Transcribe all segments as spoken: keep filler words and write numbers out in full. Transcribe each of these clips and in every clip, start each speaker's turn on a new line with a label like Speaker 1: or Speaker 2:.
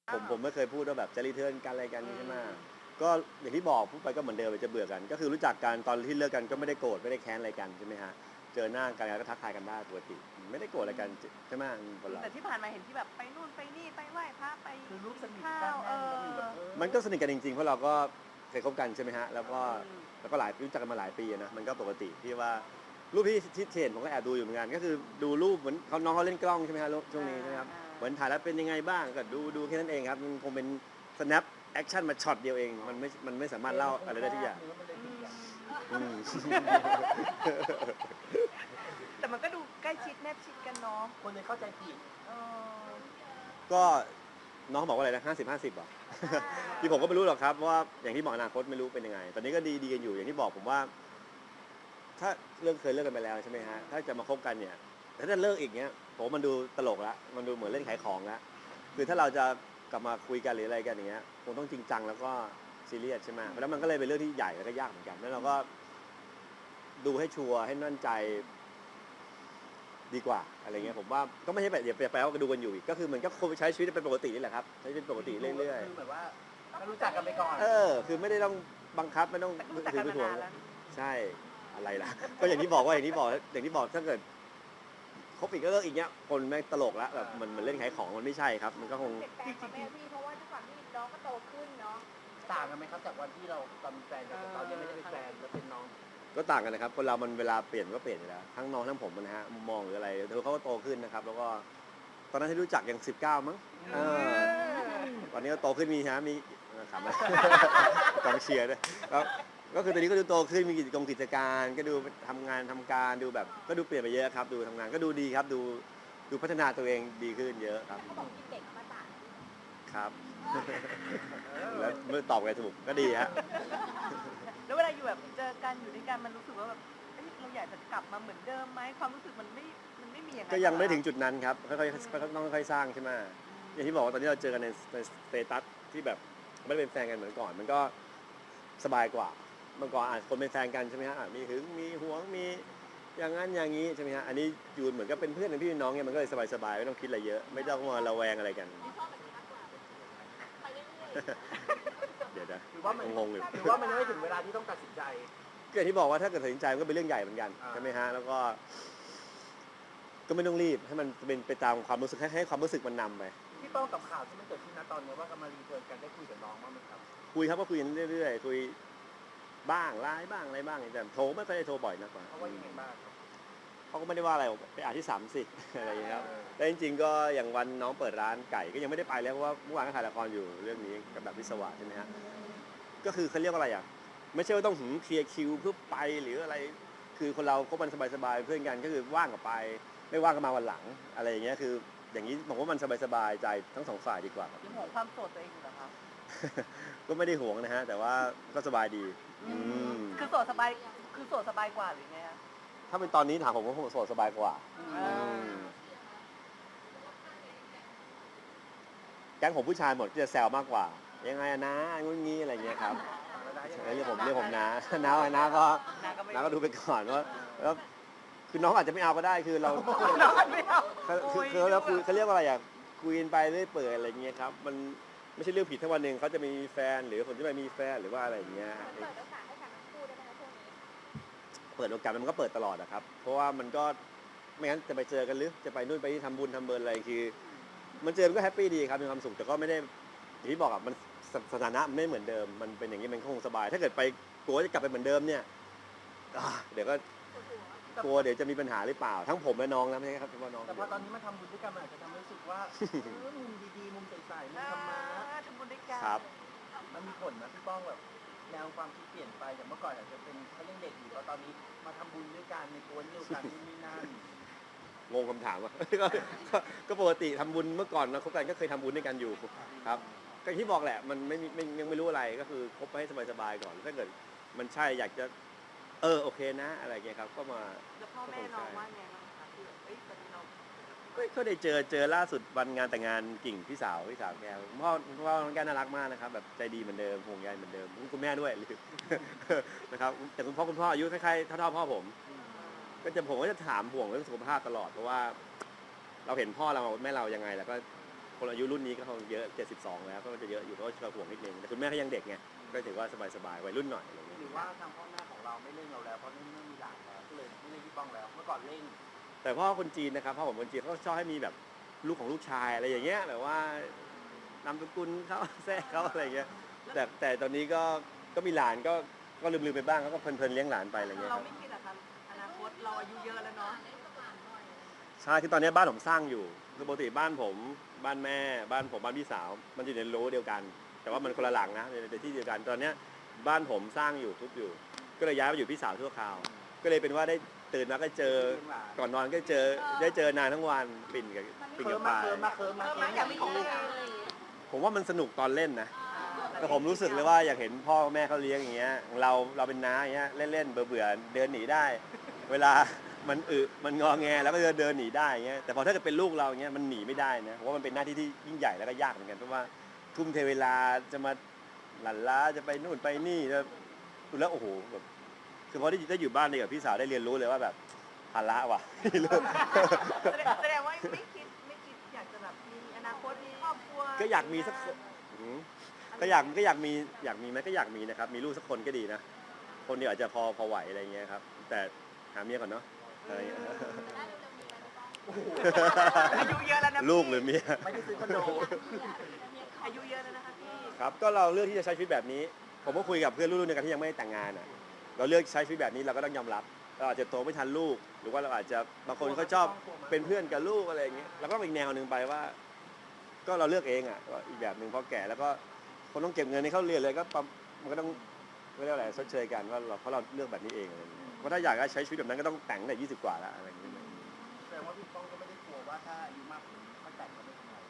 Speaker 1: ผมผมไม่เคยพูดว่าแบบจะรีเทิร์นกันอะไรกันใช่ไหมก็อย่างที่บอกพูดไปก็เหมือนเดิมจะเบื่อกันก็คือรู้จักกันตอนที่เลิกกันก็ไม่ได้โกรธไม่ได้แค้นอะไรกันใช่ไหมฮะเจอหน้ากันก็ทักทายกันได้ปกติไม่ได้โกรธอะไรกันใช่ไหมคนเรา
Speaker 2: แต่ที่ผ่านมาเห็นที่แบบไปนู่นไปนี่ไปไหว้พระไป
Speaker 3: คือรูปสนิท
Speaker 2: ข้า
Speaker 3: กัน
Speaker 2: วเอ
Speaker 3: แน่น
Speaker 2: อ
Speaker 3: แบบแบบเออ
Speaker 1: มันก็สนิทกันจริงๆเพราะเราก็เคยคบกันใช่ไหมฮะแล้วก็แล้วก็หลายรู้จักกันมาหลายปีนะมันก็ปกติที่ว่ารูปที่ที่เห็นผมก็แอบดูอยู่เหมือนกันก็คือดูรูปเหมือนเขาน้องเขาเล่นกล้องใช่ไหมฮะช่วงนี้ใช่ไหมครับเหมือนถ่ายแล้วเป็นยังไงบ้างก็ดูดูแค่นั้นเองครับมันคงเป็น snap action มาช็อตเดียวเองมันไม่มันไม่สามารถเล่าอะไรได้ทุกอย่างอืม
Speaker 2: แต่มันก็ดูใกล้ชิดแนบชิดกันเนาะ
Speaker 3: คนเลยเข้าใจผิด
Speaker 2: เออ
Speaker 1: ก็น้องบอกว่าอะไรนะห้าสิบห้าสิบอ่ะ ที่ผมก็ไม่รู้หรอกครับว่าอย่างที่บอกอนาคตไม่รู้เป็นยังไง ตอนนี้ก็ดีดีกันอยู่อย่างที่บอกผมว่า ถ้าเลิกเคยเลิกกันไปแล้วใช่ไหมฮะถ้าจะมาคบกันเนี่ยถ้าจะเลิกอีกเนี้ยผมมันดูตลกละมันดูเหมือนเล่นขายของละคือถ้าเราจะกลับมาคุยกันหรืออะไรกันอย่างเงี้ยคงต้องจริงจังแล้วก็ซีเรียสใช่ไหมเพราะฉะนั้นมันก็เลยเป็นเรื่องที่ใหญ่แล้วก็ยากเหมือนกันแล้วเราก็ดูให้ชัวร์ให้มั่นใจดีกว่าอะไรเงี้ยผมว่าก็ไม่ใช่แบบอย่าแปลว่าดูกันอยู่อีกก็คือเหมือนก็คงใช้ชีวิตเป็นปกตินี่แหละครับใช้ชีวิตปกติเรื่อย
Speaker 3: คือแบบว่าก็รู้จักกันไปก่อน
Speaker 1: ๆเออคือไม่ได้ต้องบังคับไม่ต้อง
Speaker 2: รู้จักกันมานานแล้ว
Speaker 1: ใช่อะไรล่ะ ก็อย่างที่บอกว่าอย่างที่บอกอย่างที่บอกถ้าเกิดคบอีกก็เลิกอีกเนี้ยคนแม่งตลกแล้วแบบมันมันเล่นขายของมันไม่ใช่ครับ มันก็คง
Speaker 4: เปลี่ยนแปลงมาแม่พี่เพราะว่าด้วยความที่น้องก็โตขึ้นเนาะ
Speaker 3: ต่างกันไหมครับจากวันที่เราตอนเป็นแฟนกันกับตอนยังไม่ได้เป็นแฟนแล้วเป็นน้อง
Speaker 1: ก็ต่างกันนะครับคนเรามันเวลาเปลี่ยนก็เปลี่ยนอยู่แล้วทั้งน้องทั้งผมนะฮะมุมมองหรืออะไรเธอเขาก็โตขึ้นนะครับ แล้วก็ตอนนั้นที่รู้จักยังสิบเก้ามั้งเออตอนนี้ก็โตขึ้นมีฮะมีขำนะ กองเชียร์ด้วยแล้วก็คือตอนนี้ก็ดูโตขึ้นมีกิจกรรมกิจการก็ดูทำงานทำการดูแบบก็ดูเปลี่ยนไปเยอะครับ ดูทำงานก็ดูดีครับ ดูดูพัฒนาตัวเองดีขึ้นเยอะครับ
Speaker 4: เขาบอกกินเด็กอมตะ
Speaker 1: ครับ แล้วเมื่อตอบไงถูกก็ดีฮะ
Speaker 2: แล้วเวลาอยู่แบบเจอกันอยู่ด้วยกันมันรู้สึกว่าแบบเอ้ยเราอยากจะกลับมาเหมือนเดิมไหมความรู้สึกมันไม่มันไม่มีอย่างนั้น
Speaker 1: ก็ยังไม่ถึงจุดนั้นครับค่อยๆต้องค่อยๆสร้างใช่ไหมอย่างที่บอกว่าตอนนี้เราเจอกันในในสเตตัสที่แบบไม่ได้เป็นแฟนกันเหมือนก่อน มันก็สบายกว่าเมื่อก่อนอาจคนเป็นแฟนกันใช่ไหมฮะอ่ะมีหึงมีหวงมีอย่างนั้นอย่างนี้ใช่ไหมฮะอันนี้อยู่เหมือนกับเป็นเพื่อนเป็นพี่เป็นน้องเนี่ยมันก็เลยสบายๆไม่ต้องคิดอะไรเยอะไม่ต้องมาระแวงอะไรกัน
Speaker 4: พี่ชอบแบบนี้มากกว่าไปเรื่อย
Speaker 1: เดี๋ยวนะ
Speaker 3: หรือว่ามัน
Speaker 1: งงๆอยู่
Speaker 3: หรือว่ามันยังไม่ถึงเวลาที่ต้องตัดสินใจ
Speaker 1: ก็อย่างที่บอกว่าถ้าเกิดตัดสินใจมันก็เป็นเรื่องใหญ่เหมือนกัน
Speaker 3: อ่า
Speaker 1: ใช่ไหมฮะแล้วก็ ก็ไม่ต้องรีบให้มันเป็นไปตามความรู้สึกให้ให้ความรู้สึกมันนำไป
Speaker 3: พี่ป้องกับข่าวที่มันเกิดขึ้นณตอนนี้ว่ากำลังรีเทิร์นกันได้คุยกับน้องบ้างไหมครับ
Speaker 1: คุยครับก็คุยกันเรื่อยๆคุยบ้างไลน์บ้างอะไรบ้างแต่โทรไม่ค่อยได้โทรบ่อยนักกว่า
Speaker 3: เพราะว่ายังไงบ้างครับ
Speaker 1: เขาก็ไม่ได้ว่าอะไรไปอ่านที่สามสิ อะไรอย่างเงี้ยครับแต่จริงๆก็อย่างวันน้องเปิดร้านไก่ก็ยังไม่ได้ไปแล้วเพราะว่าเมื่อวานก็ถ่ายละครอยู่เรื่องนี้กับแบบวิศวะใช่ไหมฮะก็คือเขาเรียกว่าอะไรอ่ะไม่ใช่ว่าต้องหืมเคลียร์คิวเพื่อไปหรืออะไร คือคนเราคบกันสบายๆเพื่อนกันก็คือว่างก็ไป ไม่ว่างก็มาวันหลังอะไรอย่างเงี้ยคืออย่างนี้ผมว่ามันสบายๆใจทั้งสองฝ่ายดีกว่าครับ
Speaker 2: ยังห่วงความโสดตัวเองอยู่เหรอคะ
Speaker 1: ก็ไม่ได้ห่วงนะฮะแต่ว่าก็สบายดีอืม
Speaker 2: คือโสดสบายคือโสดสบายกว่าหรือไงคะ
Speaker 1: ถ้าเป็นตอนนี้ถามผมก็คงโสดสบายกว่า
Speaker 2: อ่า
Speaker 1: อืมแก๊งผมผู้ชายหมดก็จะแซวมากกว่า ยังไงอะนะงุ้นงี้อะไรเงี้ยครับเรียกผมเรียกผมนะน้าน้าก็
Speaker 2: นาก็ไม่
Speaker 1: น้าก็ดูไปก่อนว่าแล้วคือน้องอาจจะไม่เอาก็ได้คือเรา
Speaker 2: น้องไม่เอา
Speaker 1: คือคือคือเราคุยเขาเรียกว่าอะไรอ่ะคุยกันไปเรื่อยเปื่อยอะไรเงี้ยครับมันไม่ใช่เรื่องผิดถ้าวันหนึ่งเขาจะมีแฟนหรือคนที่ไม่มีแฟนหรือว่าอะไรอย่างเงี้ย
Speaker 4: ๆเปิดโอกาสให้กันทั้งคู่ได้ไหมคะช่วงนี้
Speaker 1: เปิดโอกาสมันก็เปิดตลอดอะครับ เพราะว่ามันก็ไม่งั้นจะไปเจอกันหรือจะไปนู่นไปนี่ทำบุญทำเบิร์อะไรคือ มันเจอมันก็แฮปปี้ดีครับมีความสุขแต่ก็ไม่ได้อย่างที่บอกอะมันสสถานะมันไม่เหมือนเดิม มันเป็นอย่างนี้มันก็คงสบาย ถ้าเกิดไปกลัวจะกลับไปเหมือนเดิมเนี่ยอ่าเดี๋ยวก็กลัวเดี๋ยวจะมีปัญหาหรือเปล่า ทั้งผมและน้องนะไม่ใช่ครับเฉพาะน้อง
Speaker 3: แต่พอตอนนี้มาทำบุญด้วยกันมันอาจจะทำให้รู้สึกว่าเออมุมดีๆมุมใสๆมุมธรรมะ
Speaker 2: อ่าทำบุญด้วยกัน
Speaker 1: ครับ
Speaker 3: มันมีผลนะพี่ป้องแบบแนวความคิดเปลี่ยนไปอย่างเมื่อก่อนอาจจะเป็นเขายังเด็กอยู่แล้วตอนนี้มาทำบุญด้วยกันในกวนเดียวกันนู่นนี่นั่น
Speaker 1: งงคำถามว่า ก็ก็ก็ปกติทำบุญเมื่อก่อนนะคบกันก็เคยทำบุญด้วยกันอยู่ครับก็อย่างที่บอกแหละมันไม่มีไม่ยังไม่รู้อะไรก็คือคบไปให้สบายๆก่อนถ้าเกิดมันใช่อยากจะเออโอเคนะอะไรอย่างเงี้ยครับก็มา
Speaker 2: แล้วพ่อแม่น้องว่าไงบ้างคะที่แบบเอ้ยตอนนี้น้อง
Speaker 1: ก็ก็ได้เจอเจอล่าสุดวันงานแต่งงานกิ่งพี่สาวพี่สาวแกคุณพ่อคุณพ่อน้องแกน่ารักมากนะครับแบบใจดีเหมือนเดิมห่วงใยเหมือนเดิมคุณแม่ด้วย นะครับแต่คุณพ่อคุณพ่ออายุคล้ายๆเท่าๆพ่อผม ก็จะผมก็จะถามห่วงเรื่องสุขภาพตลอดเพราะว่า เราเห็นพ่อเราแม่เรายังไงแล้วก็คนอายุรุ่นนี้ก็คงเยอะเจ็ดสิบสองแล้วก็จะเยอะอยู่ก็จะห่วงนิดนึงแต่คุณแม่เขายังเด็กไงก็ถือว่าสบายๆวัยรุ่นหน่อยอะไรเงี้ย
Speaker 3: หรือว่าทางพ่อแม่ของเราไม่เร่งเราแล้วเพราะนี่ไม่มีหลานแล้วก็เลยไม่เร่งพี่ป้องแล้วเมื่อก่อนเร่ง
Speaker 1: แต่พ่อคนจีนนะครับพ่อผมคนจีนเขาชอบให้มีแบบลูกของลูกชายอะไรอย่างเงี้ยแบบว่านามสกุลเขาแท้เขาอะไรเงี้ยแต่แต่ตอนนี้ก็ก็มีหลานก็ก็ลืมๆไปบ้างเขาก็เพลินๆเลี้ยงหลานไปอะไรเงี้ยค
Speaker 2: เรา
Speaker 1: รับ
Speaker 2: ไม่คิดอะคะอนาคตเราอายุเยอะแล้วเนาะ
Speaker 1: ใช่คือตอนนี้บ้านผมสร้างอยู่คือปกติบ้านผมบ้านแม่บ้านผมบ้านพี่สาว มันอยู่ในโลเดียวกัน แต่ว่ามันคนละหลังนะในที่เดียวกันตอนเนี้ยบ้านผมสร้างอยู่ทุบอยู่ ก็เลยย้ายมาอยู่พี่สาวชั่วคราว ก็เลยเป็นว่าได้ตื่นมาก็เจอก่อนนอนก็เจอได้เจอนานทั้งวันปิ่นกับปิ่น
Speaker 3: เคิ
Speaker 1: กั
Speaker 3: ร์
Speaker 1: บ
Speaker 3: มมา
Speaker 1: ปาย
Speaker 3: เคิร์มมาเคิร์มมา
Speaker 2: เออ
Speaker 3: เคิ
Speaker 2: มา
Speaker 3: ร์ม
Speaker 2: อยากมีของลูก
Speaker 1: ผมว่ามันสนุกตอนเล่นนะแต่ผมรู้สึกเลยว่าอยากเห็นพ่อแม่เขาเลี้ยงอย่างเงี้ยเราเราเป็นน้าอย่างเงี้ยเล่นๆเบื่อๆเดินหนีได้ เวลามันอึมันงอแงแล้วก็เดินเดินหนีได้อย่างเงี้ยแต่พอถ้าเกิดเป็นลูกเราอย่างเงี้ยมันหนีไม่ได้นะเพราะว่ามันเป็นหน้าที่ที่ยิ่งใหญ่แล้วก็ยากเหมือนกันเพราะว่าทุ่มเทเวลาจะมาหลั่นล้าจะไปนู่นไปนี่แล้วแล้วโอ้โหแบบคือพอได้ได้อยู่บ้านเนี่ยกับพี่สาวได้เรียนรู้เลยว่าแบบภาระว่ะ
Speaker 2: แสดงแสดงว่าไม่คิดไม่คิดอยากจะแบบมีอนาคตมีครอบครัว
Speaker 1: ก็อยากมีสักคนอืมก็อยากก็อยากมีอยากมีไหมก็อยากมีนะครับ มีลูกสักคนก็ดีนะ คนเดียวอาจจะพอพอไหวอะไรเงี้ยครับ แต่หาเมียก่อนเนาะอะไรเงี้ย
Speaker 2: อายุเยอะแล้วนะพี่
Speaker 1: ลูกหรือเมีย
Speaker 3: ไม่ได้ซื้อคอนโด
Speaker 2: อายุเยอะแล้วนะคะพี่
Speaker 1: ครับก็เราเลือกที่จะใช้ชีวิตแบบนี้ ผมก็คุยกับเพื่อนรุ่นเดียวกันที่ยังไม่ได้แต่งงานอ่ะ เราเลือกใช้ชีวิตแบบนี้เราก็ต้องยอมรับ เราอาจจะโตไม่ทันลูก หรือว่าเราอาจจะบางคนเขาชอบเป็นเพื่อนกับลูกอะไรอย่างเงี้ยเราก็ต้องอีกแนวหนึ่งไปว่า ก็เราเลือกเองอ่ะว่าอีกแบบหนึ่งพอแก่แล้วก็คนต้องเก็บเงินให้เขาเรียนเลยก็ปั๊มมันก็ต้องเรียกว่าอะไรชดเชยกันว่าเราเพราะเราเลือกแบบนี้เองอะไรอย่างเงี้ยเพราะถ้าอยากจะใช้ชีวิตแบบนั้นก็ต้องแต่งตั้งแต่ยี่สิบกว่าแล้วอะไรอย่างเงี้ย
Speaker 3: แสดงว่าพี่ป้องก็ไม่ได้กลัวว่าถ้าอายุมากกว่านี้ถ้าแต่งก็ไม่ทำไร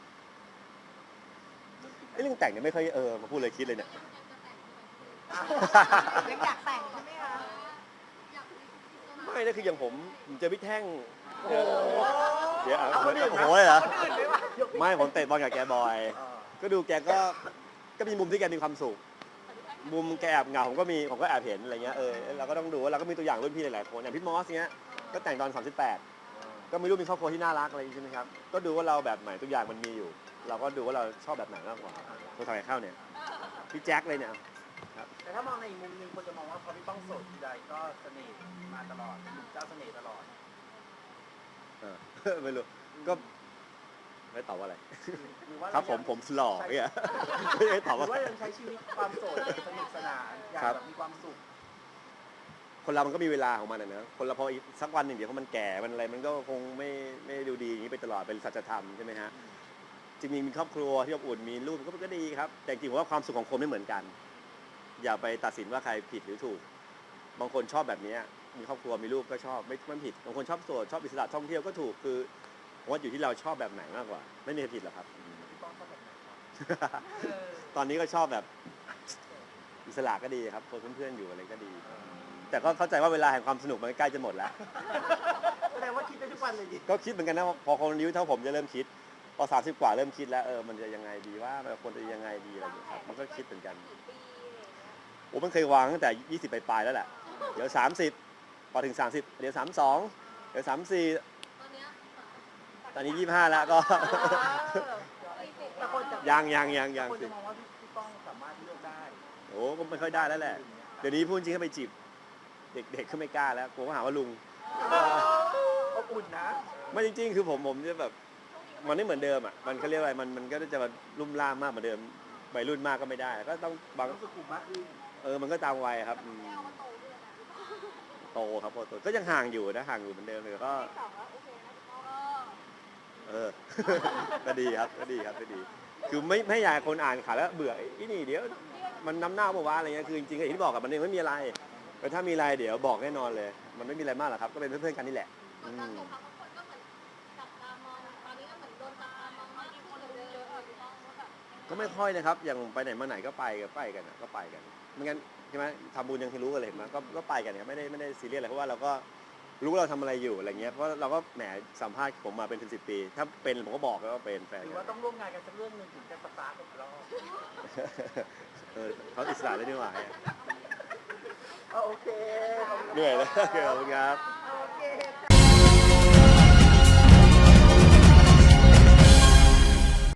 Speaker 1: ไอ้เรื่องแต่งเนี่ยไม่ค่อยเออมาพูดเลยคิดเลยเนี่ย
Speaker 2: ยังอยากแต่งใช่ไหมคะ
Speaker 1: ไม่นะคืออย่างผมผมเจอพี่แท่ง
Speaker 3: โอ้โห
Speaker 1: เดี๋ยวเอา
Speaker 3: เอาคนอื่น
Speaker 1: โอ้
Speaker 3: นะ
Speaker 1: โหเลยเหรอ
Speaker 2: คนอื่นไหมวะ
Speaker 1: ไม่ผมเตะบอลกับแกบ่อย
Speaker 3: เออ
Speaker 1: ก็ดูแกก็ก็มีมุมที่แกมีความสุข มุมแกแอบเหงาผมก็มีผมก็แอบเห็นอะไรเงี้ยเออเราก็ต้องดูว่าเราก็มีตัวอย่างรุ่นพี่หลายๆคนอย่างพี่มอสเงี้ยก็แต่งตอนสามสิบแปดก็ไม่รู้มีครอบครัวที่น่ารักอะไรอย่างงี้ใช่ไหมครับก็ดูว่าเราแบบไหนตัวอย่างมันมีอยู่ เราก็ดูว่าเราชอบแบบไหนมากกว่าตัวทำไมเข้าเนี่ยพี่แจ็คเลยเนี่ย
Speaker 3: แต่ถ้ามองในอีกมุมหนึงคนจะมองว่าพอพี่ป้องโสดทีใดก็เสน่ห์มาตลอดหนุ่มเจ้าเสน่ห์ตลอด
Speaker 1: เออ ไม่รู้ก็ไม่ตอบว่าอะไร
Speaker 3: หรือว่า
Speaker 1: ครับผมผมหล่อเนี่ยไม่ได้ตอบ
Speaker 3: หรื
Speaker 1: ว่า
Speaker 3: อว่ายังใช้ชีวิตความโสดสนุกสนานอยาก
Speaker 1: ครับ
Speaker 3: แบบมีความสุข
Speaker 1: คนเรามันก็มีเวลาของมันอะนะคนเราพออีกสักวันหนึ่งเดี๋ยวพอมันแก่มันอะไรมันก็คงไม่ไม่ดูดีอย่างนี้ไปตลอดเป็นสัจธรรมใช่ไหมฮะจริงๆมีครอบครัวที่อบอุ่นมีลูกก็ก็ดีครับ แต่จริงๆผมว่าความสุขของคนไม่เหมือนกัน อย่าไปตัดสินว่าใครผิดหรือถูก บางคนชอบแบบนี้มีครอบครัวมีลูกก็ชอบไม่ไม่ผิดบางคนชอบโสดชอบอิสระท่องเที่ยวก็ถูกคือผมว่าอยู่ที่เราชอบแบบไหนมากกว่า ไม่มีใครผิดหรอกครับ
Speaker 3: พี่ป้องชอบแบบไหนครับ
Speaker 2: เออ
Speaker 1: ตอนนี้ก็ชอบแบบอิสระก็ดีครับคนเพื่อนๆอยู่อะไรก็ดี แต่ก็เข้าใจว่าเวลาแห่งความสนุกมันใกล้จะหมดแล้ว
Speaker 3: แสดงว่าคิดได้ทุกวันเลยดิ
Speaker 1: ก็คิดเหมือนกันนะว่าพอคนอายุเท่าผมจะเริ่มคิด พอสามสิบกว่าเริ่มคิดแล้วเออมันจะยังไงดีว่ามันควรจะยังไงดีอะไรอย่างเงี้ยครับมันก็คิดเหมือนกัน
Speaker 4: กี่ปีอะไรอย่างเงี้ย
Speaker 1: โอ้มันเคยวางตั้งแต่ยี่สิบปลายๆแล้วแหละเดี๋ยวสามสิบพอถึงสามสิบเดี๋ยวสามสองเดี๋ยวสามสี่
Speaker 4: ตอนเนี้ย
Speaker 1: ตอนนี้ยี่ห้าแล้วก็
Speaker 3: แต่คนจะ
Speaker 1: ยังยังยังยัง
Speaker 3: คน
Speaker 1: สิ
Speaker 3: จะมองว่าพี่ป้องสามารถเลือกได้
Speaker 1: โอ้ก็ไม่ค่อยได้แล้วแหละเดี๋ยวนี้พูดจริงก็ไปจีบเด็กๆก็ไม่กล้าแล้วกลัวเขาหาว่าลุง
Speaker 3: อบอุ่นนะ
Speaker 1: ไม่จริงๆ คือผมผมจะแบบมันไม่เหมือนเดิมอ่ะ มันเขาเรียกอะไร มันมันก็จะมาลุ่มล่ามมากเหมือนเดิมวัยรุ่นมากก็ไม่ได้ ก็ต้องบาง
Speaker 3: รู้สึกกลุ่มมากขึ้น
Speaker 1: เออ มันก็ตามวัยครับอืม
Speaker 4: เอามาโตด้วยนะ
Speaker 1: โตครับพอโตก็ยังห่างอยู่นะห่างอยู่เหมือนเดิมเลยก็
Speaker 4: ที่สองแล้วโอเคนะพี่ป้อง
Speaker 1: เออ ก็ดีครับ ก็ดีครับ ก็ดี คือไม่ไม่อยากให้คนอ่านข่าวแล้วเบื่อไอ้นี่เดี๋ยว มันน้ำหน้าบอกว่าอะไรเงี้ย คือจริงๆอย่างที่บอกกับมันเองไม่มีอะไร แต่ถ้ามีอะไรเดี๋ยวบอกแน่นอนเลย มันไม่มีอะไรมากหรอกครับ ก็เป็นเพื่อนๆกันนี่แหละ
Speaker 4: เหมื
Speaker 1: อื
Speaker 4: อนตอน
Speaker 1: ม
Speaker 4: สงครามบางคนก็เหมือนจับตามองตอนนี้ก็เหมือนโดนจับตามองมากขึ้นกว่าเดิมอะพี่ป้องว่าแบบ
Speaker 1: ก็ไม่ค่อยนะครับ อย่างไปไหนมาไหนก็ไปกันไปกันอะก็ไปกันไม่งั้นใช่ไหมทำบุญยังที่รู้กันเลยเห็นไหมก็ก็ไปกันเนี่ยไม่ได้ไม่ได้ซีเรียสอะไรเพราะว่าเราก็รู้ว่าเราทำอะไรอยู่อะไรเงี้ยเพราะเราก็แหมสัมภาษณ์ผมมาเป็นสิบสิบปี ถ้าเป็นผมก็บอกแล้วว่าเป็นแฟน
Speaker 3: หรือ
Speaker 1: กั
Speaker 3: ว่าน ต้องร่วมงานกันสักเรื่องหนึ่งถึงจะสตาร์ทกันอีกรอบ
Speaker 1: เออเขาอิสระเลยนี่หว่าเนี่ย
Speaker 3: โอเคขอบคุณ
Speaker 1: เหนื่อยแล้วโอเคขอบคุณครับ
Speaker 2: โอเค